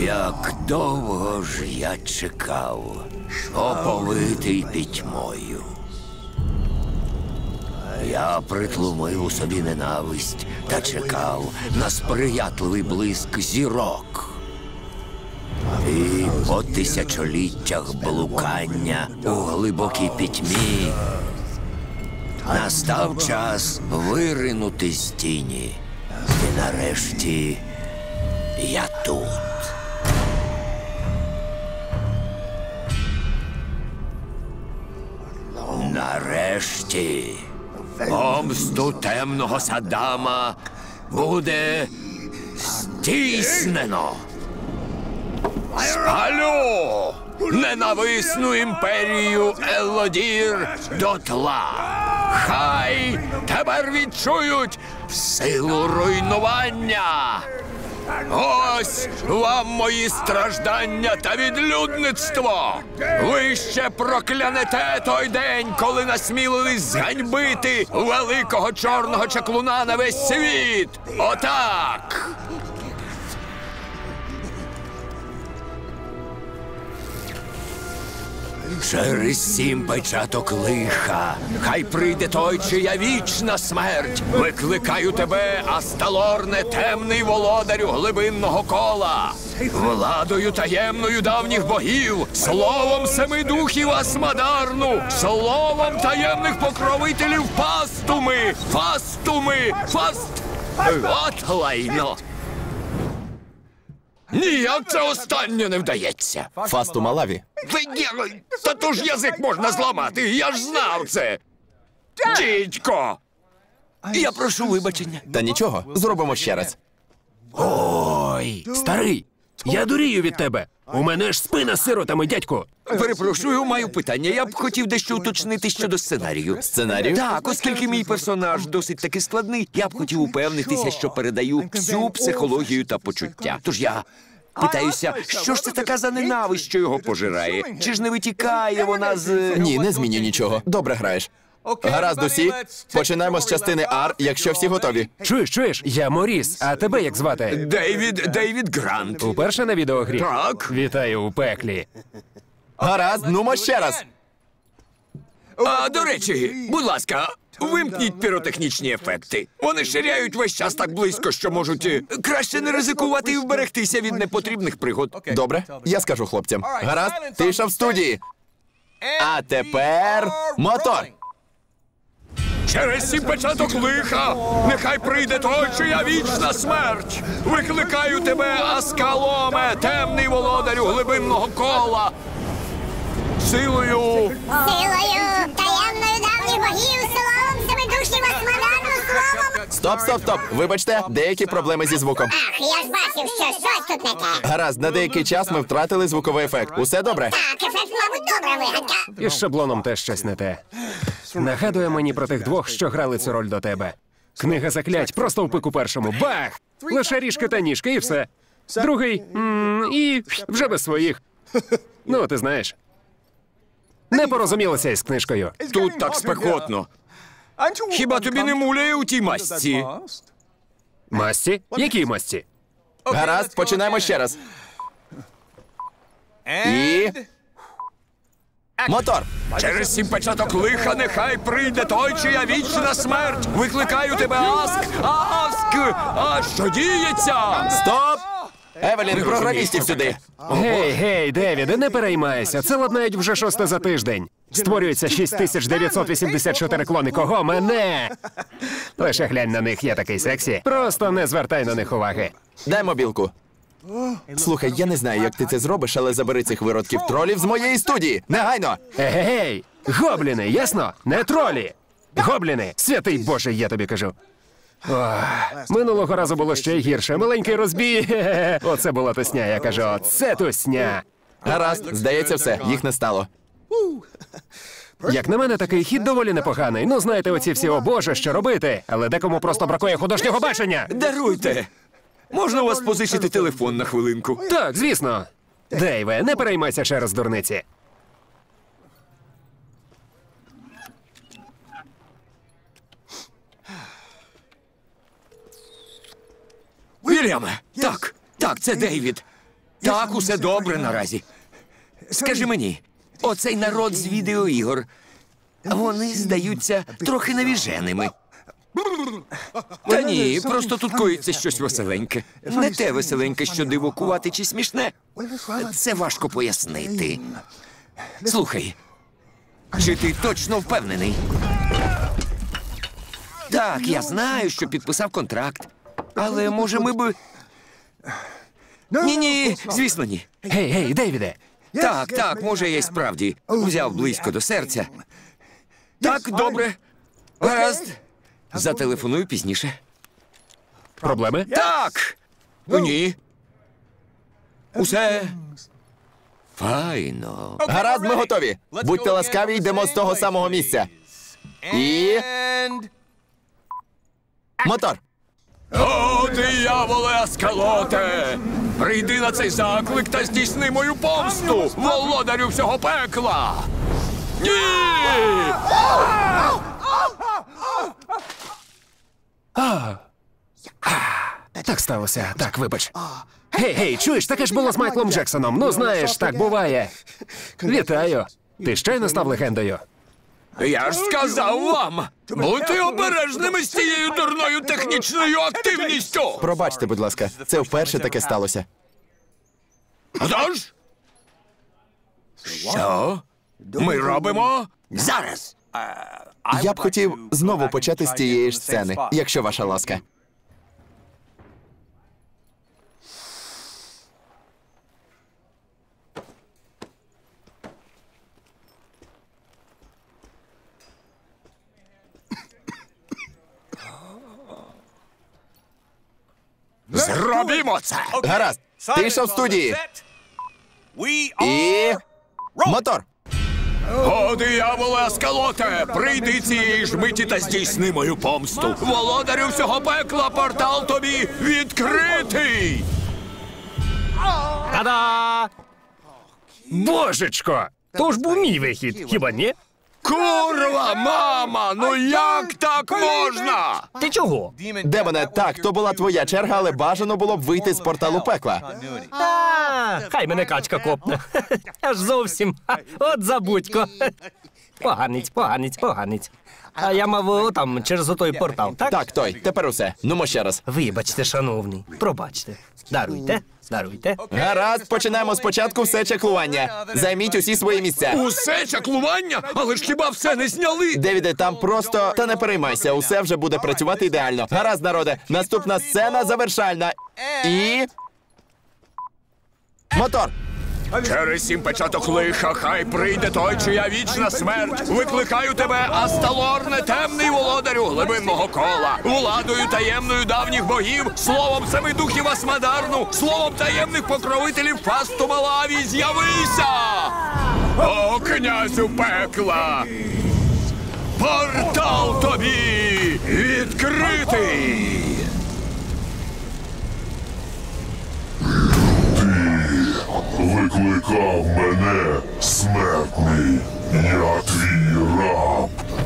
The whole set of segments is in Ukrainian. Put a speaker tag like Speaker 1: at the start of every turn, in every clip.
Speaker 1: Як довго ж я чекав, оповитий пітьмою. Я притлумив у собі ненависть та чекав на сприятливий блиск зірок. І по тисячоліттях блукання у глибокій пітьмі настав час виринути з тіні. І нарешті я тут. Нарешті помсту темного Саддама буде здійснено. Спалю ненависну імперію Елодір дотла. Хай тепер відчують силу руйнування. Ось вам мої страждання та відлюдництво. Ви ще проклянете той день, коли насмілились зганьбити великого чорного чаклуна на весь світ. Отак. Через 7 печаток лиха хай прийде той, чия вічна смерть. Викликаю тебе, Асталорне, темний володарю глибинного кола. Владою таємною давніх богів, словом 7 духів Асмадарну, словом таємних покровителів Фастуми. От лайно. Ніяк це останнє не вдається.
Speaker 2: Фасту Малаві.
Speaker 1: Та то ж язик можна зламати, я ж знав це. Дідько! Я прошу вибачення.
Speaker 2: Та нічого, зробимо ще раз.
Speaker 3: Ой, старий, я дурію від тебе. У мене ж спина з сиротами, дядьку.
Speaker 1: Перепрошую, маю питання. Я б хотів дещо уточнити щодо сценарію.
Speaker 2: Сценарію?
Speaker 1: Так, оскільки мій персонаж досить таки складний, я б хотів упевнитися, що передаю всю психологію та почуття. Тож я питаюся, що ж це така за ненависть, що його пожирає? Чи ж не витікає вона з...
Speaker 2: Ні, не зміню нічого. Добре граєш. Гаразд усі. Починаємо з частини R, якщо всі готові.
Speaker 3: Чуєш, я Моріс, а тебе як звати?
Speaker 1: Дейвід Грант.
Speaker 3: Уперше на відеогрі?
Speaker 1: Так.
Speaker 3: Вітаю у пеклі.
Speaker 2: Гаразд, нумо ще раз.
Speaker 1: А, до речі, будь ласка, вимкніть піротехнічні ефекти. Вони ширяють весь час так близько, що можуть краще не ризикувати і вберегтися від непотрібних пригод.
Speaker 2: Добре, я скажу хлопцям. Гаразд, тиша в студії. А тепер мотор.
Speaker 1: Через 7 печаток лиха нехай прийде той, чия вічна смерть. Викликаю тебе, Аскаломе, темний володарю глибинного кола. Силою
Speaker 4: таємною давніх богів, словом 7 духів Асмадарну, словом...
Speaker 2: Стоп. Вибачте, деякі проблеми зі звуком.
Speaker 4: Ах, я ж бачив, що щось тут не те.
Speaker 2: Гаразд, на деякий час ми втратили звуковий ефект. Усе добре?
Speaker 4: Так, ефект, мабуть, добра вигадка.
Speaker 3: Із шаблоном теж щось не те. Нагадує мені про тих двох, що грали цю роль до тебе. Книга заклять просто в пику першому. Бах! Лише ріжки та ніжки і все. Другий і вже без своїх. Ну, ти знаєш. Не порозумілося із книжкою.
Speaker 1: тут так спекотно. Хіба тобі не муляє у тій масці?
Speaker 3: Масті? Які масті?
Speaker 2: Гаразд, починаємо ще раз. І... мотор!
Speaker 1: Через 7 печаток лиха нехай прийде той, чия вічна смерть. Викликаю тебе, Аск! А що діється?
Speaker 2: Стоп! Евелін, програмістів сюди.
Speaker 3: Гей, Девіде, не переймайся. Це ладнають вже 6 за тиждень. Створюється 6984 клони. Кого? Мене! Лише глянь на них, я такий сексі. Просто не звертай на них уваги.
Speaker 2: Дай мобілку. Слухай, я не знаю, як ти це зробиш, але забери цих виродків тролів з моєї студії. Негайно!
Speaker 3: Гей! Гобліни, ясно? Не тролі! Гобліни! Святий Боже, я тобі кажу. Ох, минулого разу було ще й гірше. Маленький розбій. Оце була тусня, я кажу. Оце тусня.
Speaker 2: Гаразд, здається, все, їх не стало.
Speaker 3: Як на мене, такий хід доволі непоганий. Ну, знаєте, оці всі, о Боже, що робити. Але декому просто бракує художнього бачення.
Speaker 1: Даруйте. Можна у вас позичити телефон на хвилинку?
Speaker 3: Так, звісно. Дейве, не переймайся через дурниці.
Speaker 1: Вільяме! Так, це Дейвід. Так, усе добре наразі. Скажи мені, оцей народ з відеоігор, вони здаються трохи навіженими. Та ні, просто тут коїться щось веселеньке. Не те веселеньке, що дивокувати чи смішне. Це важко пояснити. Слухай, чи ти точно впевнений? Так, я знаю, що підписав контракт. Але, може, ми б... Ні, звісно, ні.
Speaker 3: Гей, Дейвіде!
Speaker 1: Так, може, я й справді взяв близько до серця. Так, добре. Гаразд. Зателефоную пізніше.
Speaker 3: Проблеми?
Speaker 1: Так! Ні. Усе файно.
Speaker 2: Гаразд, ми готові. Будьте ласкаві, йдемо з того самого місця. І... мотор.
Speaker 1: О, дияволе Аскалоте! Прийди на цей заклик та здійсни мою помсту, володарю всього пекла! Ні!
Speaker 3: Так сталося. Так, вибач. Гей, чуєш, таке ж було з Майклом Джексоном. Ну, знаєш, так буває. Вітаю. Ти щойно став легендою.
Speaker 1: Я ж сказав вам! Будьте обережними з цією дурною технічною активністю!
Speaker 2: Пробачте, будь ласка, це вперше таке сталося.
Speaker 1: Отож? Що? Ми робимо? Зараз!
Speaker 2: Я б хотів знову почати з тієї ж сцени, якщо ваша ласка.
Speaker 1: Зробімо це!
Speaker 2: Гаразд, тиша в студії. І... мотор.
Speaker 1: О, дияволе Аскалоте! Прийди цієї ж миті та здійсни мою помсту! Володарю всього пекла, портал тобі відкритий!
Speaker 5: Та-да!
Speaker 3: Божечко!
Speaker 5: То ж був мій вихід, хіба ні?
Speaker 1: Курва, мама! Ну як так можна?
Speaker 5: Ти чого?
Speaker 2: Демоне, так, то була твоя черга, але бажано було б вийти з порталу пекла.
Speaker 5: Хай мене качка копне. Аж зовсім. От забудько. Поганець. А я мав там через отой портал, так?
Speaker 2: Так, той, тепер усе. Нумо ще раз.
Speaker 5: Вибачте, шановний, пробачте. Даруйте.
Speaker 2: Гаразд, починаємо спочатку все чеклування. Займіть усі свої місця.
Speaker 1: Усе чаклування? Але ж хіба все не зняли?
Speaker 2: Девіде, там просто... Та не переймайся, усе вже буде працювати ідеально. Гаразд, народе, наступна сцена завершальна. І... мотор.
Speaker 1: Через 7 печаток лиха хай прийде той, чия вічна смерть. Викликаю тебе, Асталорне, темний володарю глибинного кола, владою таємною давніх богів, словом семи духів Асмадарну, словом таємних покровителів Фасту Малаві, з'явися! О, князю пекла! Портал тобі відкритий!
Speaker 6: Викликав мене, смертний, я твій раб.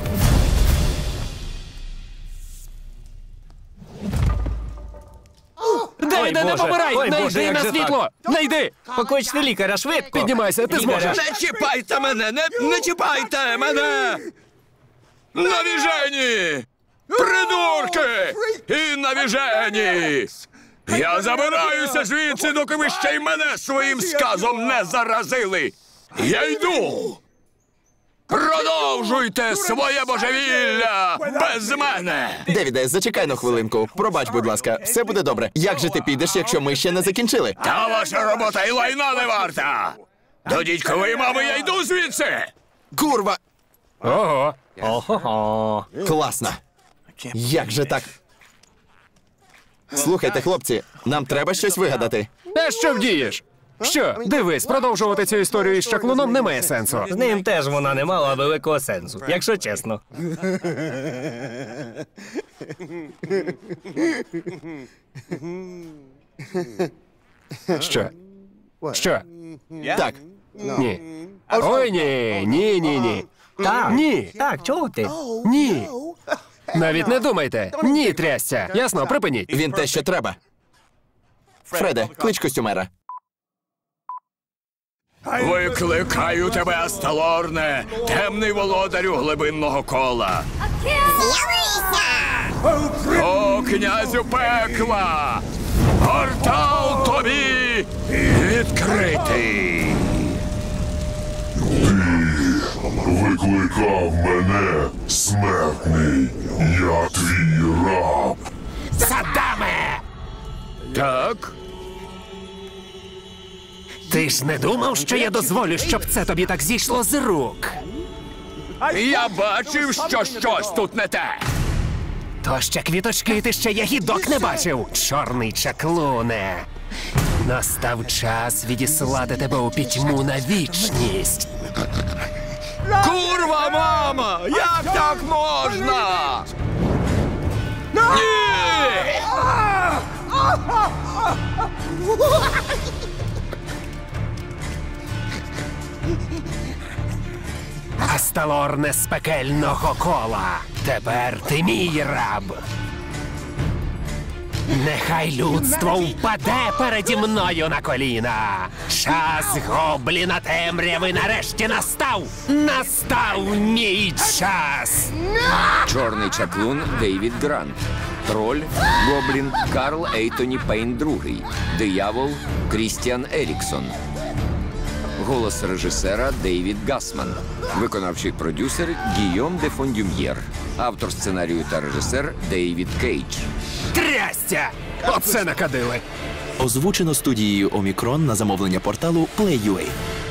Speaker 3: Дейвіде, не
Speaker 5: Боже.
Speaker 3: помирай!
Speaker 5: Ой,
Speaker 3: Не
Speaker 5: Боже,
Speaker 3: йди
Speaker 5: як
Speaker 3: на
Speaker 5: же
Speaker 3: світло! Не йди!
Speaker 5: Покличте лікаря швидко.
Speaker 3: Піднімайся, ти
Speaker 5: Лікаря.
Speaker 3: зможеш!
Speaker 1: Не чіпайте мене! Не чіпайте мене! Навіжені! Придурки! І навіжені! Я забираюся звідси, доки ви ще й мене своїм сказом не заразили! Я йду! Продовжуйте своє божевілля без мене!
Speaker 2: Девіде, зачекай на хвилинку. Пробач, будь ласка, все буде добре. Як же ти підеш, якщо ми ще не закінчили?
Speaker 1: Та ваша робота і лайна не варта! До дідькової мами я йду звідси!
Speaker 2: Курва!
Speaker 3: Ого!
Speaker 5: Ого.
Speaker 2: Класно! Як же так? Слухайте, хлопці, нам треба щось вигадати.
Speaker 3: А що вдієш? Що, дивись, продовжувати цю історію із чаклуном немає сенсу.
Speaker 5: З ним теж вона не мала великого сенсу, якщо чесно.
Speaker 3: Що? Що?
Speaker 2: Так,
Speaker 3: Ні. Ой, ні.
Speaker 5: Так.
Speaker 3: Ні.
Speaker 5: Так, чого ти?
Speaker 3: Ні. Навіть не думайте. Ні, трясця. Ясно, припиніть.
Speaker 2: він те, що треба. Фреде, клич костюмера.
Speaker 1: Викликаю тебе, Асталорне, темний володарю глибинного кола.
Speaker 4: З'явися!
Speaker 1: О, князю пекла! Портал тобі відкритий!
Speaker 6: Викликав мене, смертний, я твій раб.
Speaker 3: Саддаме!
Speaker 1: Так?
Speaker 3: Ти ж не думав, що я дозволю, щоб це тобі так зійшло з рук?
Speaker 1: Я бачив, що щось тут не те.
Speaker 3: То ще квіточки, ти ще ягідок не бачив, чорний чаклуне. Настав час відіслати тебе у пітьму на вічність.
Speaker 1: Курва, мама! Як так можна? Ні!
Speaker 3: Асталорне з пекельного кола. Тепер ти мій раб. Нехай людство впаде переді мною на коліна. Час гобліна темряви нарешті настав. Настав мій час.
Speaker 1: Чорний чаклун Дейвід Грант. Троль Гоблін Карл Ейтоні Пейн II. Диявол Крістіан Еріксон. Голос режисера Дейвід Гасман. Виконавчий продюсер Гійом де Фондюм'єр. Автор сценарію та режисер Дейвід Кейдж.
Speaker 3: Трястя! Оце накадили.
Speaker 2: Озвучено студією Омікрон на замовлення порталу Play.ua.